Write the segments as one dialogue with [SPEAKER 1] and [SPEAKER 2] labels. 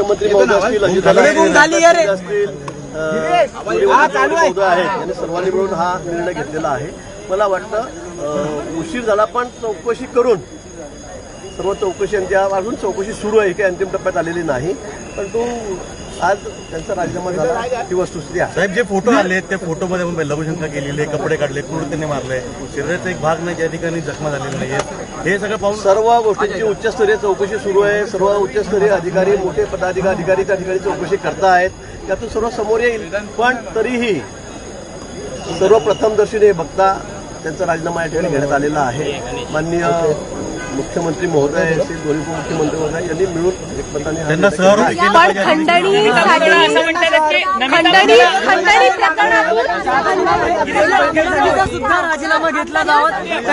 [SPEAKER 1] मुख्यमंत्री महोदय असतील, असतील महोदय आहेत, यांनी सर्वांनी मिळून हा निर्णय घेतलेला आहे. मला वाटतं उशीर झाला पण चौकशी करून सर्व चौकशी अजून चौकशी सुरू आहे, काही अंतिम टप्प्यात आलेली नाही. परंतु आज त्यांचा राजीनामा झाला ही वस्तुस्थिती आहे.
[SPEAKER 2] साहेब, जे फोटो आले त्या फोटोमध्ये लघुशंका केलेली, कपडे काढले, क्रूर त्यांनी मारले, शरीराचा एक भाग नाही ज्या ठिकाणी जखमा झालेली नाही. हे सगळं पाहून
[SPEAKER 1] सर्व गोष्टींची उच्चस्तरीय चौकशी सुरू आहे. सर्व उच्चस्तरीय अधिकारी, मोठे पदाधिकारी त्या ठिकाणी चौकशी करतायत. त्यातून सर्व समोर येईल. पण तरीही सर्वप्रथमदर्शनी बघता त्यांचा राजीनामा या ठिकाणी घेण्यात आलेला आहे. माननीय मुख्यमंत्री महोदय, दोन्ही उपमुख्यमंत्री महोदय यांनी मिळून एकमताने
[SPEAKER 3] खंडणी सुद्धा राजीनामा घेतला जावा.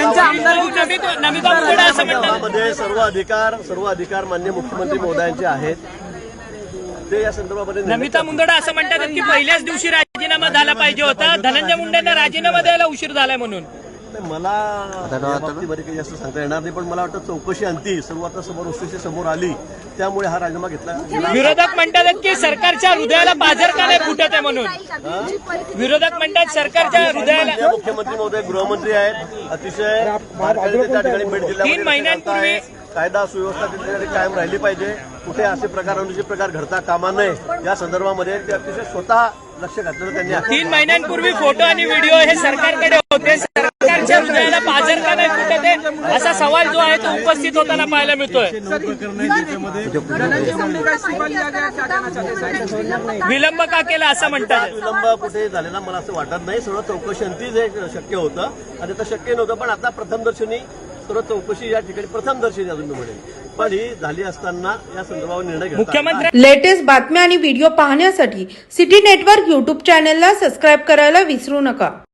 [SPEAKER 1] त्यांच्या सर्व अधिकार माननीय मुख्यमंत्री महोदयांचे आहेत. ते या संदर्भामध्ये
[SPEAKER 4] नमिता मुंदडा असं म्हणतात की पहिल्याच दिवशी राजीनामा झाला पाहिजे होता, धनंजय मुंडेंना राजीनामा द्यायला उशीर झालाय म्हणून.
[SPEAKER 1] मला या बाबतीमध्ये काही जास्त सांगता येणार नाही. पण मला वाटतं चौकशी अंती सर्व आता समोर आली, त्यामुळे हा राजीनामा घेतला.
[SPEAKER 4] विरोधक म्हणतात की सरकारच्या हृदयाला बाजार का नाही फुटत आहे म्हणून. विरोधक म्हणतात सरकारच्या हृदयाला.
[SPEAKER 1] मुख्यमंत्री महोदय गृहमंत्री आहेत, अतिशय त्या ठिकाणी भेट दिल्या.
[SPEAKER 4] 3 महिन्यांपूर्वी
[SPEAKER 1] कायदा सुव्यवस्था त्या ठिकाणी कायम राहिली पाहिजे. कुठे असे प्रकार अनुचित प्रकार घडता कामा नये या संदर्भामध्ये ते अतिशय स्वतः लक्ष घातलेलं त्यांनी.
[SPEAKER 4] 3 महिन्यांपूर्वी फोटो आणि व्हिडिओ हे सरकारकडे होते. सरकारच्या हृदयाला बाजार का नाही फुटत आहे असा सवाल जो आहे तो उपस्थित होताना पाहायला मिळतोय. विलंब का केला असं म्हणतात.
[SPEAKER 1] विलंब कुठे झालेला मला असं वाटत नाही. सर्व चौकशी अंती जे शक्य होतं आणि आता शक्य नव्हतं. पण आता प्रथमदर्शनी सर्व चौकशी या ठिकाणी प्रथमदर्शनी अजून मी म्हणेन, पण ही झाली असताना या संदर्भावर निर्णय घेतला.
[SPEAKER 4] मुख्यमंत्री
[SPEAKER 5] लेटेस्ट बातम्या आणि व्हिडिओ पाहण्यासाठी सिटी नेटवर्क YouTube चॅनलला सबस्क्राईब करायला विसरू नका.